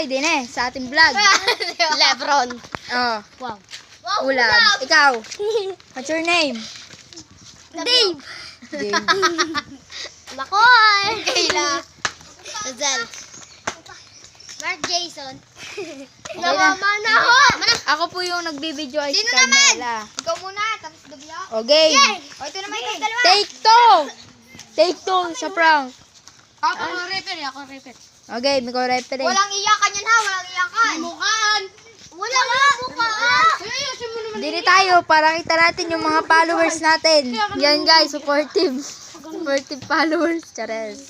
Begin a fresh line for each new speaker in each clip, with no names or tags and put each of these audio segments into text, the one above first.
din sa ating vlog.
Lebron.
Oh,
Wow.
ulam. Ikaw, what's your name?
Dave.
Dave.
Makoy. Kayla. Rizal. Mark Jason. Nawamanahon.
Ako po yung nagbibideo ay si
Sino naman?
Carmela.
Ikaw muna, tapos Gabia.
Okay.
O, ito naman yung dalawa.
Take two. Take two sa prank.
Ako refer.
Okay, may ko referee.
Walang iyakan yan ha, walang iyakan. Mukhaan. Walang mukhaan.
Dili tayo para kita natin yung mga followers natin. Yan guys, supportive. Supportive followers. Chares.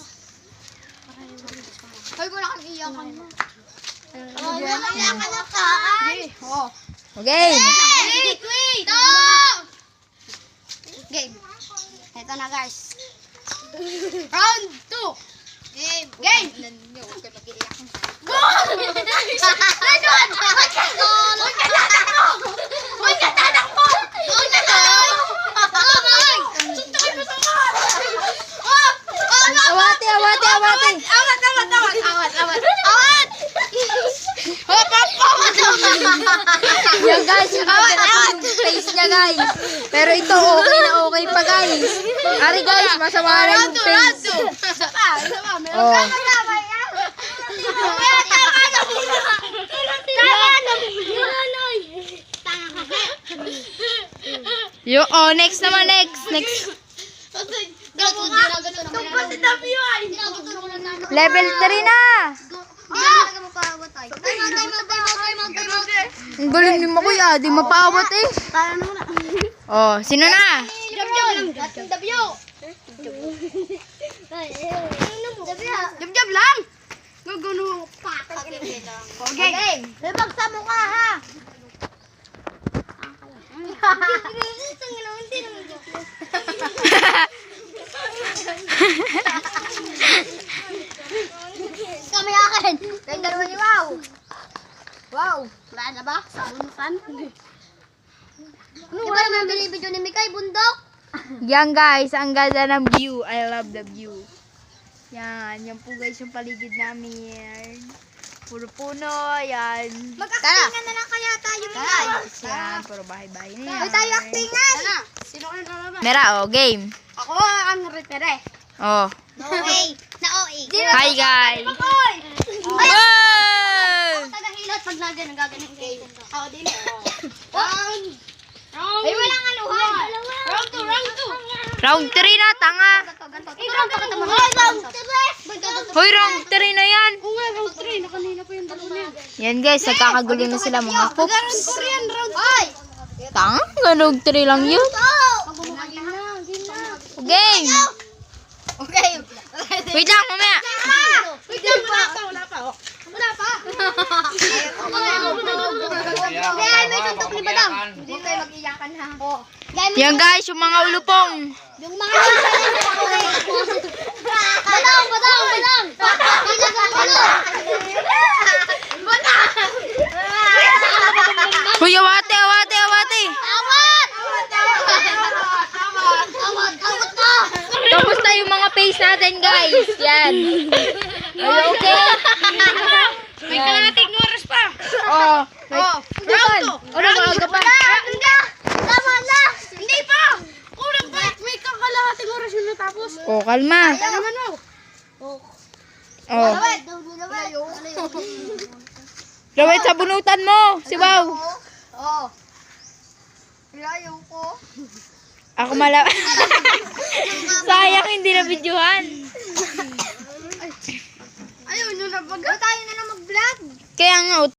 Hoy, wala kang iyakan mo. Walang iyakan na kaan.
Okay.
Wait. No! Game. Ito na guys. Round 2. Game. Huwag ka mag-iiyak. Go! Huwag ka tatakbo!
Awate.
Awat!
Yan guys, yung yung face niya guys. Pero ito okay pa guys. Ari guys, masama na yung face. Oh. Next naman, next. Level 3 na. Ang galing ni Makoy di mapawat eh. Oh, sino na?
Jab lang. Gugulo pa. Okay. Lebag sa mukha ha. Kami akin. Kaya dalawa ni Wow. Wow. Wala na ba? Sa bunutan? Ano ba naman binibidyo ni Mikay? Bundok?
Yan guys, ang ganda ng view. I love the view. Yan po guys yung paligid namin. Puro puno, yan.
Mag-actingan na lang kaya tayo, Mikay.
Yan, puro bahay-bahay na yan.
Hoy, tayo actingan. Sino ka na
Mera, game.
Ako ang repere.
Oh.
No way. Na OA.
Hi guys.
Hoy!
Wow!
Tagahilot pag nagano gaganin kayo. Ako din. Ay, walang anuhan. Round 2.
Round 3 na, tanga.
Round 3.
Hoy, round 3 na yan.
Round 3. Nakanina pa yung dalawa niya.
Yan guys, nagkakagulo na sila mga
Round
cooks.
4 yan. Round 5.
Tanga, round 3 lang yun. Game.
Okay.
Wait lang, mamaya.
Wait lang pa. Wala pa. Kaya may suntok ni Badang. Hindi tayo mag-iyakan ha.
Yan guys, yung mga ulupong.
Yung mga Badang.
Hoy, awate.
Awat na.
Kamusta yung mga face natin guys? Yan. Are you okay?
May kalating oras pa.
Oh.
Round 2.
Ano, maaga pa?
Tama na. Hindi pa. Kulang pa. May kalating oras yung natapos.
Oh, kalma.
Tama na.
Oh. Lawit sa bunutan mo. Si Wow.
Oo. Ayaw ko.
Ako Sayang hindi na videohan.
Ayaw nyo na tayo na mag-vlog.
Kaya nga,